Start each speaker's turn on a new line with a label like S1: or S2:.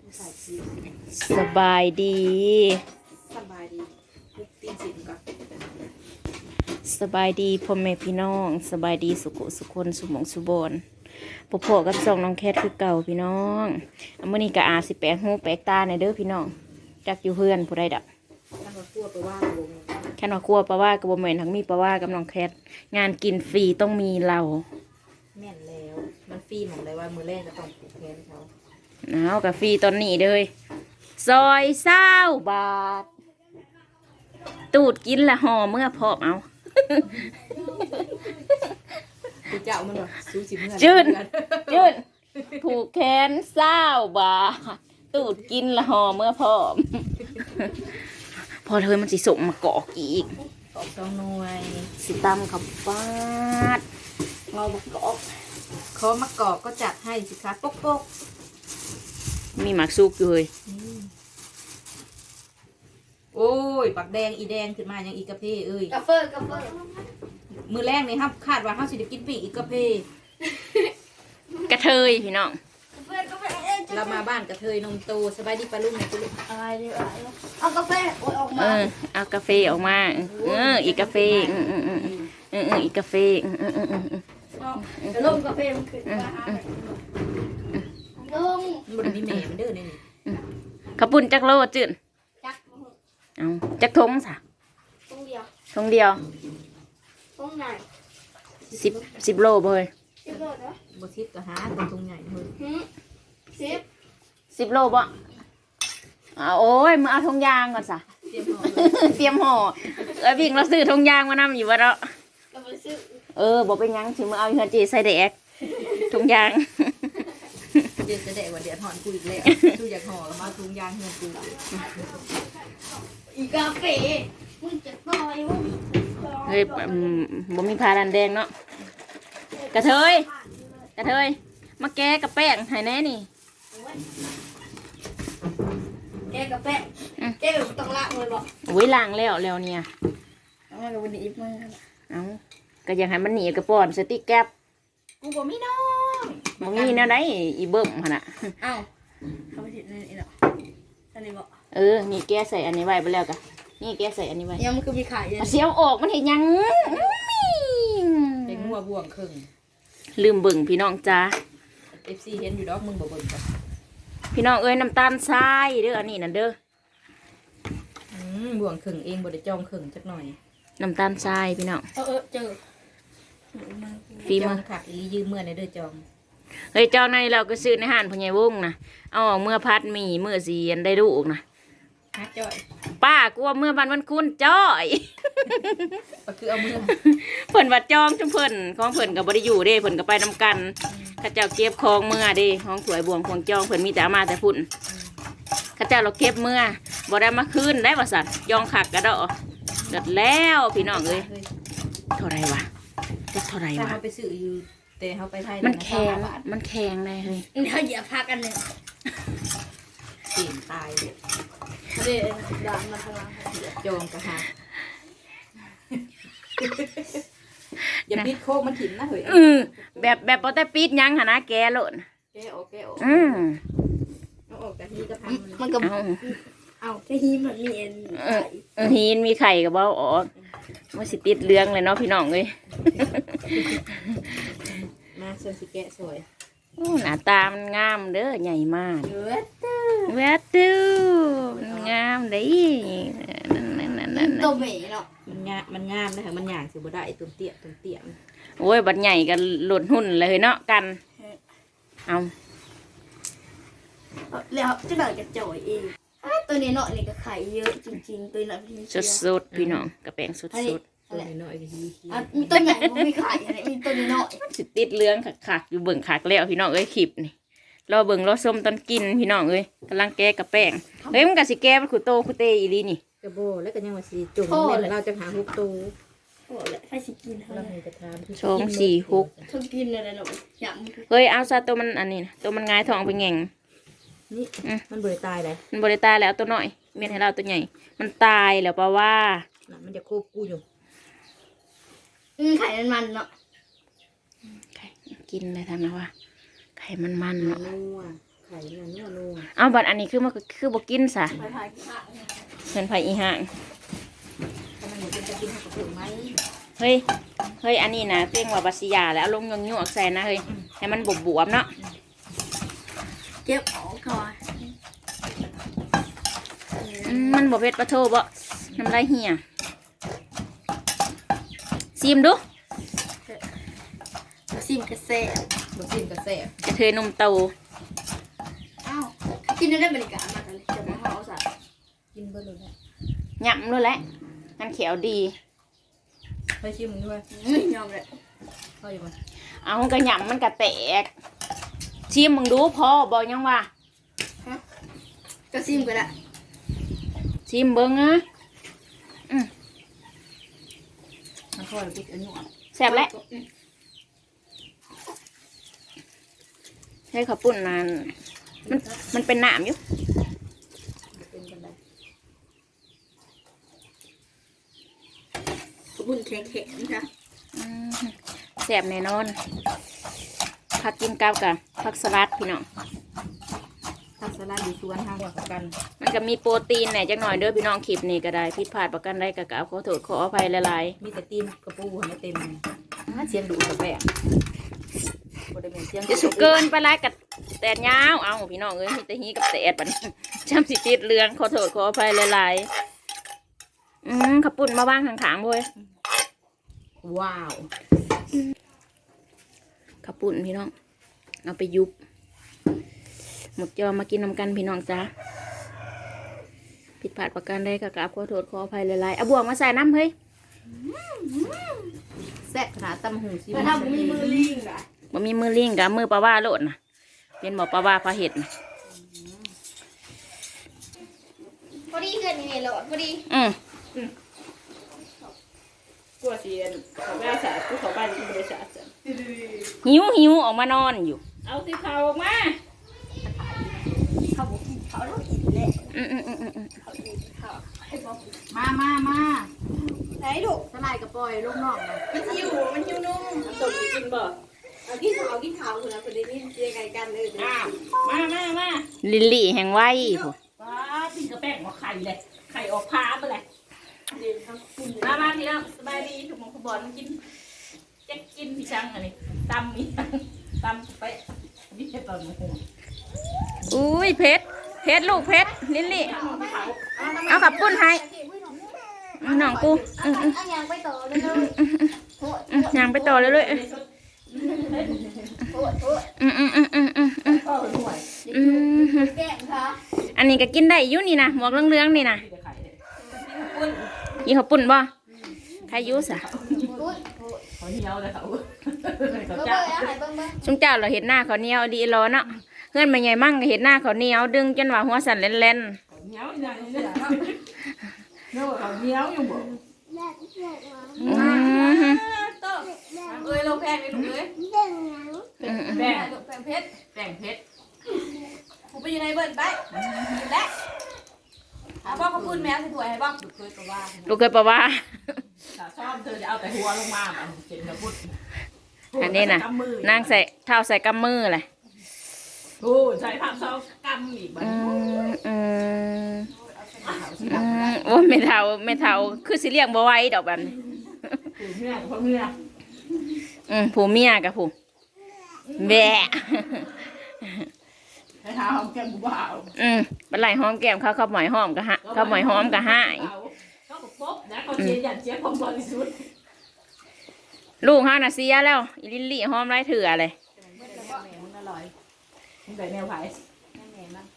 S1: สบายดี
S2: สบายดีพุกตีนสินก่อน
S1: สบายดีพ่อแม่พี่น้องสบายดีสุขสุขคนสุหมองสุบอนพอกับส่องน้องแคทคือเก่าพี่น้องมื้อนี้ก็อาสิแปลกหูแปลกตาในเด้อพี่น้องจักอยู่เพื่อนผู้ใดดับ
S2: ถ้าเราคั่วไปว่าลง
S1: แค่นว่าครัวปลาว่ากับบ่แม่นทั้งมีปลาว่ากับน้องแคทงานกินฟรีต้องมีเรา
S2: แม่นแล้วมันฟรีหมดเลยว่ามือแรกจะต้องผูกแขนเขา
S1: เอากับฟรีตอนนี้เลยซอย20 บาทตูดกินละห่อเมื่อพร้อมเอา
S2: กูเจ้ามันแบบซูชิเมื่อ
S1: จืดผูกแขน20 บาทตูดกินละห่อเมื่อพร้อมพอเธอมันสิส่งมาเกาะอีก
S2: กอก2 หน่วย
S1: สิตำขับฟาดเราบักกอก
S2: ขอมะกอกก็จัดให้สิคะป๊กป๊ก
S1: มีหมักซุกอยู่เลย
S2: โอ้ยปักแดงอีแดงขึ้นมายังอีกระเพเอ้ย
S3: กาเฟอร์
S2: มือแรกนี่ครับคาดว่าเขาสิจะกินปีกอีกระเพ
S1: กระเทยพี่น้อง
S2: เรามาบ้านกระเทยนมโตสบายดีปลาลุงเนี่ยลูก
S3: อะไรดีวะเอากาแฟโอ้ยออกมา
S1: เอากาแฟออกมาอีกกาแฟอีกกาแฟ
S3: ลงกาแฟมันขึ้นมาลง
S2: มันมีแม่มันเด้อเนี่ย
S1: ขปุ่นจักโลจืด
S3: จัก
S1: เอาจักทงสะ
S3: ทงเดียว
S1: ทงเดียว
S3: ทงไหน
S1: 10 โลบ่เฮ้ย
S3: 10 โลเนาะ
S2: บ่ทิพก็หาเป็นทงใหญ่เลย
S1: 10 โลบ่โอ้ยมึงเอาทงยางก่อนสะเตรียมห่อวิ่งเราซื้อทงยางมานำอยู่วะเนาะบ่เป็นยังสิมึงเอาเฮือนจีใส่แดกทงยาง
S2: เดี๋ยวจะแดกว่าเดี๋ยวถอนกูอีกแล้วกูอยากห่อแล้วมาถุงยางเงินกู
S3: อีกาแฟมึงจะต่อยมึง
S1: เฮ้ยบ่มีพาดันแดงเนาะกระเทยมาแก้กับแป้งให้แน่นี่
S3: แกกาแฟแกต้องล้างเลยบอก
S1: โอ้ยล้างแล้วเนี่ย
S3: เอามากับวันนี้อีกมั้ง
S1: เอาก็ยังให้มันหนีกระป๋อนสติ๊กแก๊บ
S3: กูบอกไม่น้อง
S1: บ่มีแนวใดอีเบิ่มหั่นน่ะ
S3: เอ้าเขาไปถิดนี่เนาะอันนี้บอก
S1: นี่แกใส่อันนี้ไว้ไปแล้วกะนี่แกใส่อันนี้ไว้
S3: ยังมันคือมีไข่
S1: เสียวออกมันเห็นยัง
S2: เป็นงัวบ่วงครึ่ง
S1: ลืมเบิ่งพี่น้องจ้า
S2: FC เห็นอยู่ดอกมึงบ่เบิ่งกัน
S1: พี่น้องน้ำตาลทรายเด้ออันนี้นั่นเด้อ
S2: บ่วงครึ่งเองบ่ได้จองครึ่งจักหน่อย
S1: น้ำตาลทรายพี่น้อง
S3: เจอ
S1: ฟีมือ
S2: ค่ะอียืมเมื่อในเด้อจอง
S1: เฮ้ยจองในเราก็ซื้อในห้างพ่อใหญ่วงนะเอาออกเมื่อพัดมีเมื่อสีอันได้ลูกนะ
S2: จ้อย
S1: ป้ากลัวเมื่อวันคุณจ้อย
S2: ก็คือเอามือ
S1: เพิ่นวัดจองจุ่มเพิ่นของเพิ่นกับบริอยู่เด้เพิ่นก็ไปนำกันข้าเจ้าเก็บของเมื่อเด้ของถวยบวงของจองเพิ่นมีแต่เอามาแต่พุ่นข้าเจ้าเราเก็บเมื่อบ่ได้มาคืนได้บ่สันยองขักกระดอเด็ดแล้วพี่น้องเอ้ยเท่าไรวะจะเท่าไรวะ
S2: เขาไปซื้ออยู่แต่เขาไปไทย
S1: มันแข็งเลยเฮ้ย
S3: เขาเหยียบพักกันเลย
S2: ตีนตาย
S3: เดี๋ยวด่ามาทางหลัง
S2: จองกระหาอย่าปิดโคกมันถิ่นนะเฮ้ย
S1: แบบพอแต่ปิดยังหนะแกโลด
S2: แกออกเอาออกแต่ฮีก็พัง
S3: มันก็เอาแต่ฮีมันมี
S1: ฮีนมีไข่กับเบ้าออกมันสิติดเรื่องเลยเนาะพี่น้องเลย
S2: มาส่วนสิแกะสวย
S1: หน้าตามันงามเด้อใหญ่มากเวตูงามเด้
S3: นั่นตัวเมย์เนาะ
S2: มันงามนะคะมันหยางสิบ่ได้ตุ้มเตี้ย
S1: โอ้ยบัดใหญ่กันหล่นหุ่นเลยเนาะกันเอา
S3: แล้วจะเดินกระจ่อยเองตัวนี้เนาะนี่ก็ไข่เยอะจริงๆตัวนี้
S1: สดพี่น้องกระแปงสด
S2: ตัวนี้น้อยก็
S3: มีตัวใหญ่มีไข่อะไรมีตัวนี้น้อย
S1: สิติดเรื่องขักอยู่เบิ่งขักแล้วพี่น้องเอ้ยคลิปนี่รอเบิ่งรอส้มตอนกินพี่น้องเอ้ยกำลังแก้กระแป้งเฮ้ยมันกะสิแก้มันขุโตขุเตอีลีนี่
S2: กระโบแล้วก็ยังว่าสิจุ่มเราจะหาฮุกตู
S3: ไฟสิกิน
S2: เราจะทำ
S1: 2 4 6
S3: ทุกกินอะไรเนาะอยาก
S1: เฮ้ยเอาซะตัวมันอันนี้ตัวมันง่ายท้องไปแง่ง
S2: นี่มันบริตายเลย
S1: มันบริตายแล้วตัวน้อยเมียนให้เราตัวใหญ่มันตายแล้วป่าว่า
S2: มันจะโคบกูอยู่
S3: ไข่มันเนาะ
S1: ไข่กินอะไรทำนะว่าไข่มันเนาะ
S2: ไข่นั่นนัว
S1: เอาบัดอันนี้คือมันคือบ่กินซะ
S3: ไปพายกินข้าว
S1: เพิ่นไผอีห่าง
S2: ถ้ามันอยู่เป็นจะกินข้าวกระปุกไหม
S1: เฮ้ยอันนี้นะเต้งว่าบัสยาแล้วเอาลงยั่วๆใส่นะเฮ้ยให้มันบวบๆเนาะ
S3: เก็บออกก่อน
S1: มันบ่เผ็ดปะโทบ่น้ำลายเหี่ยซิมดู
S3: ซิมกระเซะ
S2: บะซิมกระแสบ
S1: กระเทยนมโต
S3: อ้าวกินได้บรรยากาศมากเลยจะมาห่อสัตว์
S2: กินเบอร์เลยนะ
S1: หยำด้วยแหละมันเขียวดี
S2: ไปชิมมึงด้วย
S3: ยอมเลย
S2: เข้าอยู่มั้ย
S1: เอากระหยำมันกระแตกชิมมึงดูพอบอกยังว่า
S3: ก็ซิมก็ได้
S1: ชิมเบิ้งนะ
S2: มันค่อยพริกอันนี้
S1: แซ่บแล้วให้ข้าวปุ้นมันเป็นน้ำอยู่
S2: เป็นกันได้
S3: บุญแข็งๆค่ะ
S1: แซ่บแน่นอนผักกินกับผักสลัดพี่น้อง
S2: ผักสลัดดีสวนทางกว่ากัน
S1: มันก็มีโปรตีนแหน่จักหน่อยเด้อพี่น้องคลิปนี้ก็ได้ผิดพลาดประกันได้ก็กราบขอโทษขออภัยหลาย
S2: มีแต่ตีนกระปูให้เต็มเสียงดูกระแปะบริเวณเสียง
S1: ๆจะสุกเกินไปหลายกับแตดยาวเอาพี่น้องเอ้ยมีแต่ฮีกับแตดบัดนี้ จำสิติดเรื่องขอโทษขออภัยหลายๆขับปุ่นมาบ้างข้างๆเว้ย
S2: ว้าว
S1: ขับปุ่นพี่น้องเอาไปยุบหมดจอมากินนำกันพี่น้องจ้าผิดพลาดประการใดก็กราบขอโทษขออภัยหลายๆเอาบวงมาใส่น้ำเฮ้ย
S2: แซ่บขนาดตำหูซี
S3: แต่ถ้าผมมีมือลิงอ่ะ
S1: บ่มีมือลิงกับมือปลาว่าโลดนะเป็นบ่ปลาว่าปลาเห็ดนะ
S3: พอดีเกินยังไงหลอดพอดี
S1: กลัวเสียนเขาไม่ได้สาดเขาบ้านที่ไม่ได้สาดหิวออกมานอนอยู่ เอาสิเขาออกมา
S3: เขาต้องกินแหละ เขากินข้าวให้บอก
S2: มา
S3: ไหนดู
S2: สลายกระปอยลูกน้องนะ
S3: มันหิวนุ่ม
S1: ส่งกินบ่
S3: เอากินข้าวคนละคนนี้นี่เรียกไงกันเลย
S1: มาลิลลี่แห่งไว้ผู้ว้าพี่กระแป้งหัวไข่เลยไข่ออกพาไปเลยมาทีแล้วสบายดีถูกมองขบอนกินจะกินพี่ช่างอันนี้ตำมีตำไปนี่แค่ตอนหัวอุ้ยเพชรลูกเพชรลิลลี่เอาขับปุ้นให้น้องกู
S3: อันยังไปต่อเลยเลย
S1: ยางไปต่อเลยเลย
S3: แก้มค่ะ
S1: อันนี้ก็กินได้อยู่นี่นะหมวกเหลืองๆนี่นะยี่ห้อปุ่นบ่ใครยุ่สะ
S2: เขาเหี่ยวเลยเขา
S1: ชุงเจ้าเราเห็นหน้าเขาเหนียวดีรอเนาะเพื่อนมาใหญ่มั่งก็เห็นหน้าเขาเหนียวดึงจนว่าหัวสั่นเล่น
S2: เหี่ยวอย่างนี้เนาะเขาเหี่ยวอยู่บ่
S1: ๆ
S3: โตเอ้ยเราแพงเลยลูกเอ้ย
S2: แป้ง
S3: แพงเพชร
S2: แป้งเพชร
S3: ผมไปอยู่ในเบิร์นไปและเอาพ่อเขาพูดแมวสวยให้บ้าง
S2: เคยก็ว่า
S1: ลูกเคยปะว่า
S2: ถ้าชอบเธอจะเอาแต่หัวลงมามันเจ็บกระปุก
S1: อันนี้นะนางใส่เท้าใส่กำมือเลย
S2: โอ้ใช้ผักซองกำอีกบ้าง
S1: โอ้ไม่เท่าคือสิเรียกบ่ไหว้ดอกแบบนี้
S2: ผู้เมียกับพ่อเมีย
S1: ผู้เมียกับผู้แบะ
S2: ให้เท้าหอมแก้มผู้บ่าว
S1: บันไลหอมแก้มเขาหมอยหอมก็ฮะเขาหมอยหอมก็หาย
S2: เขาก็ป๊บนะเขาเชียร์อย่างเชียร์ความบริสุทธิ์
S1: ลูกเฮาน่ะเสียแล้วอีลิลลี่หอมไรเถื่อเลย
S2: มันอร่อยมันได้แนวไผ่
S3: แม่มั้ง